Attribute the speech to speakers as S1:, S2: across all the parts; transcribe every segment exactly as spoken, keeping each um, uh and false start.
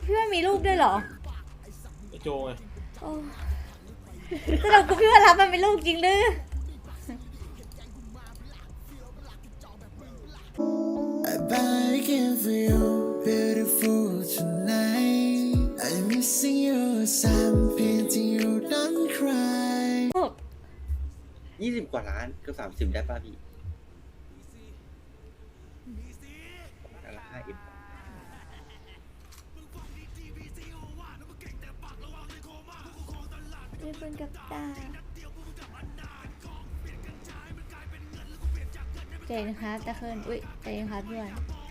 S1: พี่ว่ามีลูกด้วยเหรอ
S2: ไอโจไง
S1: โอ้สรุปกูพี่ว่ารับมันเป็นลูกจริงหรือ
S3: I buy a gift for you, beautiful tonight. I'm missing you, so I'm painting you, don't cry.
S4: ยี่สิบกว่าล้านเกือบสามสิบได้ป่ะพี่ละห้าเอ็ม
S1: นี่เป็นกับตาเจนครับตะเคินอุ้ยเจนครับพี่วัน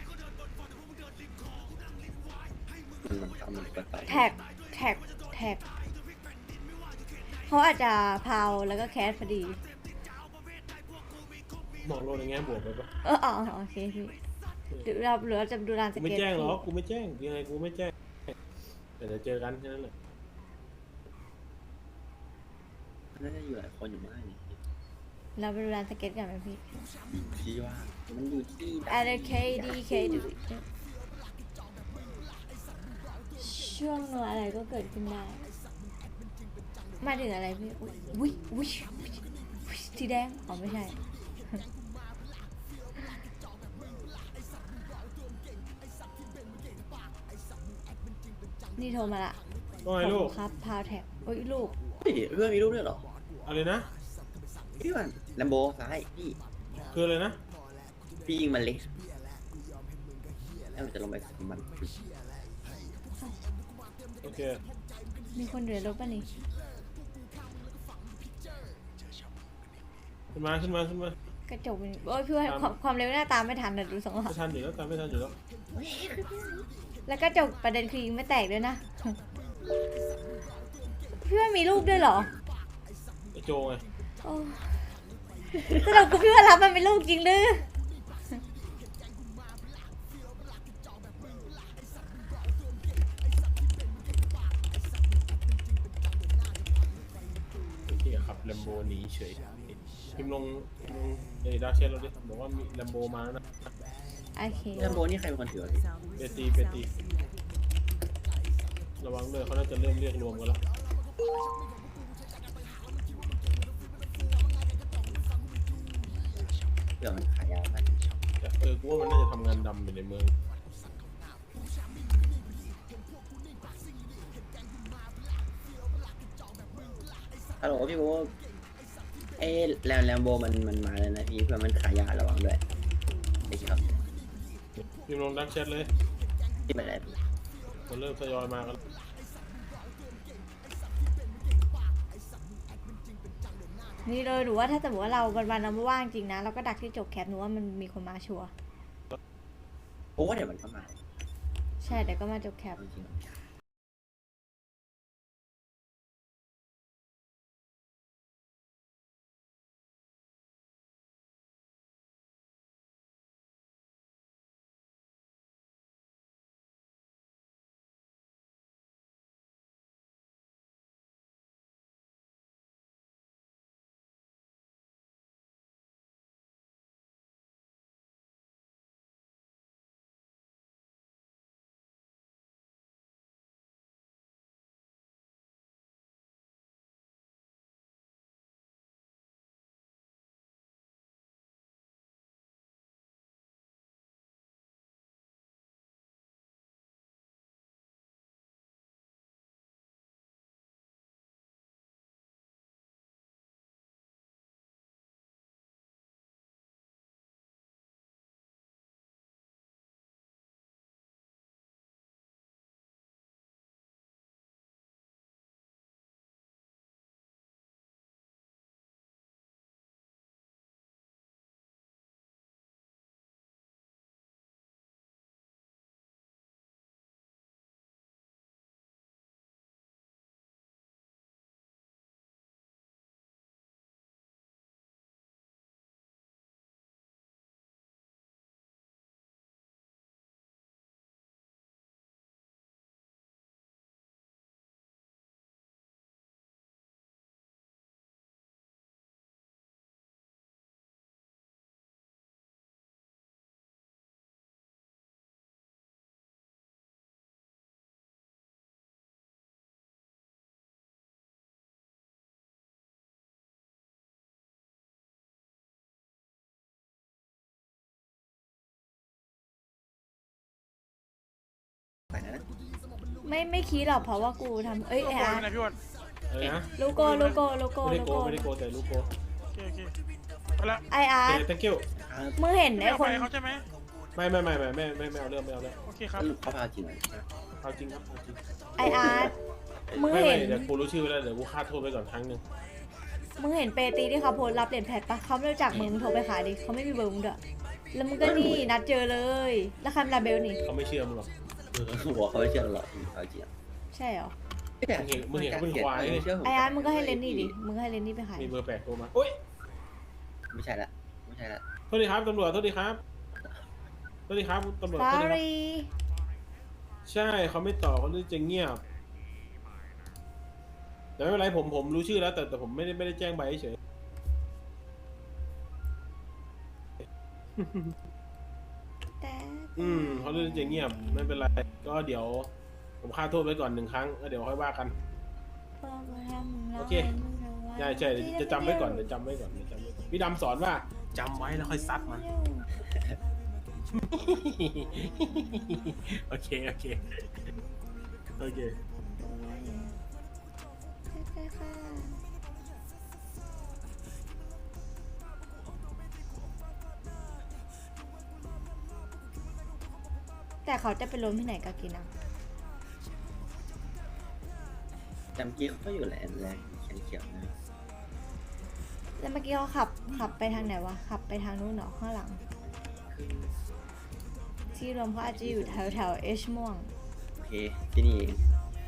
S4: มันมันทำมันกันไป
S1: แท็กแท็กแท็กเขาอาจจะพาวแล้วก็แคสพอดี
S2: มองโลกในแง่บวกไปปะ
S1: เอออ๋อโอเคพี่หรือเราหรือเราจะดูรานส
S2: กูไม่
S1: เก็ต
S2: แจ้งหรอกกูไม่แจ้งยังไงกูไม่แจ้งแต่เดี๋ยวเจอกันแค่นั้นแหละ
S4: น่าจะอยู่หลายคนอยู่มากนี่
S1: เราไปดูรานสเก็ตกันไหมพี่
S4: ที่ว่ามันอยู่ที่
S1: อะไรเคดีเคดูช่วงโนอะไรก็เกิดขึ้นได้มาถึงอะไรพี่อุ้ยอุ้ยอุ้ยสีแดงอ๋อไม่ใช่นี่โทรมาละ
S2: ว่าไงลูก
S1: ครับพาวแท็กโอ้ยลูก
S4: เฮ้ยเพื่อนมีรูปด้วยเหรอ
S2: อะไรนะ
S4: พี่วันแลมโบซ้ายพี่
S2: คืออะไรนะ
S4: พี่ยิงมันเล็กแล้วมันจะลงไปสมัน
S2: โอเค
S1: มีคนอยู่ในรถป่ะนี่
S2: ขึ้นมาขึ้นมาขึ้นมาก
S1: ระจกมันโอ้ยพี่ว่าความความเร็วหน้าตามไม่ทันแต่ดูสองหลั
S2: ไม่
S1: ก
S2: ทันอยู่แล้วตามไม่ทันอยู่แล้ว
S1: แล้วกระจกประเด็นคือยิงไม่แตกด้วยนะ พี่ว่ามีลูกด้วยเหรอ
S2: ไอโจไง
S1: โอ้สรุปกูพี่ว่ารับมันเป็นลูกจริงหรือ
S2: โอเคขับแลมโบหนีเฉยพิมพ์ลงพิมพ์ลงเอ้ยดาร์กแชทเราดิบอกว่ามีแลมโบมาแล้วนะ
S1: โอเค
S4: แลมโบนี่ใครเป็นคนถือวะพี่
S2: เปตีเปตีระวังเลยเขาน่าจะเริ่มเรียกรวมกันแล้ว
S4: เผื่อมันขายยาไป
S2: แต่เออกูว่ามันน่าจะทำงานดำอยู่ในเมือง
S4: ฮัลโหลพี่โบเอ้แลมแลมโบมันมันมาแล้วนะพี่เผื่อมันขายยาระวังด้วยไอ้ครับ
S2: พิมพ์ลงดาร์กแชทเลย
S4: ที่มันอะไรพี่
S2: มันเริ่มทยอยมากัน
S1: นี่เลยหรือว่าถ้าสมมติว่าเราวันวันเราไม่ว่างจริงนะเราก็ดักที่จบแคปหนูว่ามันมีคนมาชัวร์
S4: โอ้เดี๋ยวมันก็มา
S1: ใช่แต่ก็มาจบแคป
S4: จริงๆ
S1: ไม่ไม่คิดหรอกเพราะว่ากูทำเอ้ย
S5: โล
S1: ไอ
S5: โก้
S1: อาร์
S5: ไหนพี่วัน
S2: อะไรนะ
S1: ลูโก้ลูโก้ลูโก้
S2: ไม่ได้
S1: ลู
S2: โก
S1: โก้
S2: ไม่ได้โกแต่ลูกโก
S5: โอเคโอเคไปละ
S1: ไออาร์
S2: เจ thank you
S4: ครับ
S1: มึงเห็น
S5: ไม่
S1: ไอ
S5: เอา
S1: ค
S5: ไป
S1: น
S5: เขาใช่ไหม
S2: ไม่ไม่ไม่ไม่ไม่ไม่ไม่เอาเรื่องไม่เอาเรื่อง
S5: โอเคครับ
S4: สรุปเขาพาจริงไหม
S2: เอาจริงครับเอาจริง
S1: ไออาร์มึง
S2: ไม่ไม่
S1: เห็น
S2: เดี๋ยวกูรู้ชื่อไว้แล้วเดี๋ยวกูฆ่าโทษไปก่อนครั้งหนึ่ง
S1: มึงเห็นเปตีที่เขาโพสต์รับเหรียญแพทปะเขาไม่รู้จักมึงมึงโทรไปขายดิเขาไม่มีเบอร์มึงด้วยแล้วมึงก็นี่นัดเจอเลย แล้วคันลาเบลนี่
S2: เขาไม่เชื่อมึงหรอก
S4: เออหัวเขาไม่เชื่อหรอกเอาจริง
S1: ใช่เหรอ
S4: แต่
S2: มึงเห็นเขาเป็นควายเลย
S4: เชื่ผม
S1: ไออาร์มึงก็ให้เลนนี่ดิ มึงก็ให้เลนนี่ไปขาย
S2: มีเบอร์แปลกโทรมาโอ๊ย
S4: ไม่ใช่ละไม่ใช่ละ
S2: โทษดีครับตำรวจโทษดีครับโทษดีครับตำรวจ
S1: สอ
S2: โทษดีครับ
S1: รี่
S2: ใช่เขาไม่ตอบเขาจะเงียบแต่ไม่เป็นไรผมผมรู้ชื่อแล้วแต่แต่ผมไม่ได้ไม่ได้แจ้งใบเฉย
S1: แต่
S2: อืมเขาเรื่องจะเงียบไม่เป็นไรก็เดี๋ยวผมฆ่าโทษไปก่อนหนึ่งครั้งแล้วเดี๋ยวค่อยว่ากัน โอเค ใช่ใช่เดี๋ยวจะจำไว้ก่อนเดี๋ยวจำไว้ก่อนเดี๋ยวจำไว้ก่อนพี่ดำสอนว่าจำไว้แล้วค่อยซัดมัน โอเคโอเคโอเค
S1: แต่เขาจะไปล้มที่ไหนก็กินอ่ะ
S4: จำกี้เขาก็อยู่แหละแรงแขนเขียวนะ
S1: แล้วเมื่อกี้เขาขับขับไปทางไหนวะ ขับไปทางนู้นเหรอข้างหลัง ที่รวมเขาอาจจะอยู่แถวแถวเอชม่วง
S4: โอเคที่นี่เอง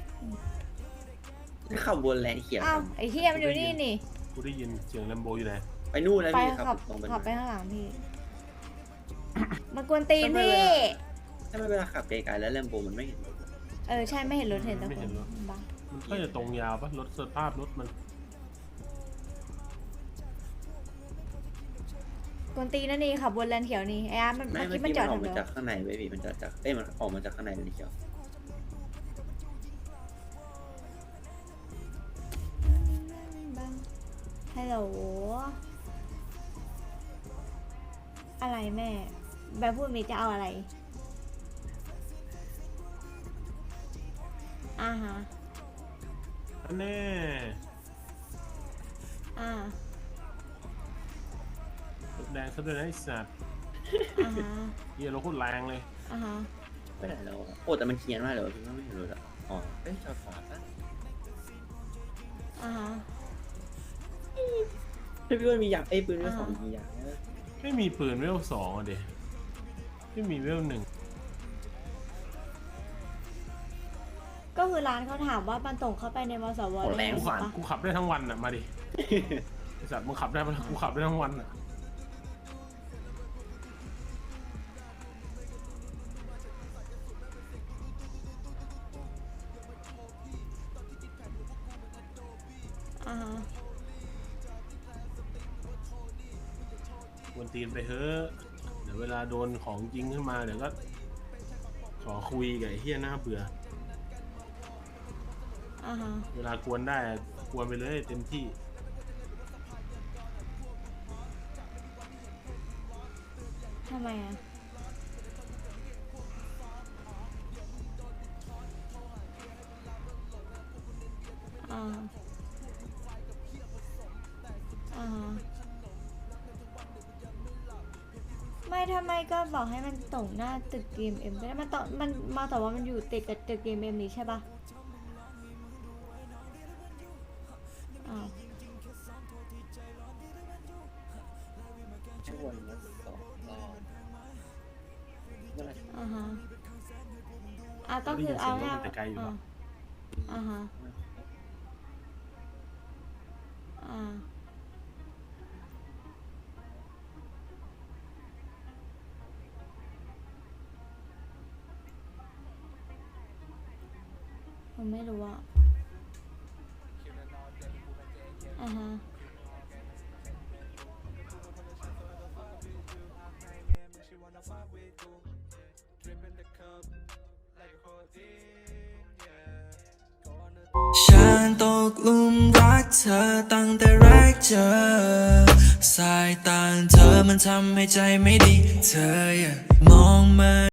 S4: ขับบนแรงเขียว
S1: อ้าวไอ้เที่ยมันอยู่นี่นี่
S2: กูได้ยินเสียงแลมโบอยู่ไหน
S4: ไปนู่นนะ
S1: ไป
S4: พี่
S1: ขับ
S4: ตรงไป
S1: ขับไปข้างหลังพี่ มากวนตีนพี่
S4: ถ้าไม่เวลาขับไกลๆแล้วแลมโบมันไม่เห็นรถ
S1: เออใช่ไม่เห็นรถเห็นแต่
S2: ไม่
S1: ค
S2: เห็
S1: น
S2: นรถ
S1: บ้า
S2: มันก็จะตรงยาวปะรถสภาพรถมัน
S1: กวนตีนนั่นนี่ขับบนแลนเขียวนี่ไอ้อาร์ตมัน
S4: ไม่
S1: เมื่อ
S4: เมื่อ
S1: กี้มัน
S4: กี้
S1: จ
S4: มั
S1: อน ด
S4: ออก
S1: ทำไม
S4: มาจากข้างในเว้ยพี่มันจะจากเอ้ยมันออกมาจากข้างในเลยเขียว
S1: ฮัลโหลอะไรแม่แบบพูดมีจะเอาอะไรอ่าฮะ
S2: แน่
S1: อ่าร
S2: ถแดงซะด้วยนะไอ้สัตว์
S1: อ่าฮะ
S2: เฮียรถโคตรแรงเลย
S1: อ่าฮะ
S4: ไปไหนแล้วอะโอ้แต่มันเขียนว่าอะไรวะพี่ว่าไม่เห็นรถอ่ะอ๋อเอ้ยจอดขวาปะ
S1: อ่าฮะ
S4: พี่ว่ามีอยากไอ้ยปืนมีสองมีอยากนะ
S2: ไม่มีปืนเวลสองอ่ะเด็ไม่มีเวลหนึ่ง
S1: ก็คือร้านเขาถามว่ามันตรงเข้าไปในมสว
S4: โอ้แรง
S2: กู
S4: ข
S2: ขั
S4: วา
S2: บกูขับได้ทั้งวันอ่ะมาดิ ไอสัตว์มึงขับได้ปะกูขับได้ทั้งวันอ่ะ
S1: อ่าฮะ
S2: วนตีนไปเฮ้อะเดี๋ยวเวลาโดนของจริงขึ้นมาเดี๋ยวก็ ขอคุยกับไอ้เฮียหน้าเบื่อ
S1: อ่าฮะ
S2: เวลากวนได้อะกวนไปเลยเต็มที่
S1: ทำไมอ่ะอ่าอ่าฮะไม่ทำไมก็บอกให้มันตรงหน้าตึกเกมเอ็มก็ได้มันต่อมันมาแต่ว่ามันอยู่ติดกับตึกเกมเอ็มนี้ใช่ปะอ้าว
S4: ช่วงละสองรอบเมื่อไหร่
S1: อ่าฮะอ่ะก็คือเอา
S2: ได้ยินเสียงรถ
S1: ง่าย
S2: มันแต่ไกลอยู่
S1: อ่า
S2: อะ
S1: อ่าฮะอ่าผมไม่รู้อ่ะอ่าฮะ
S3: ฉันตกหลุมรักเธอตั้งแต่แรกเจอสายตาเธอมันทำให้ใจไม่ดี เธออย่ามองมา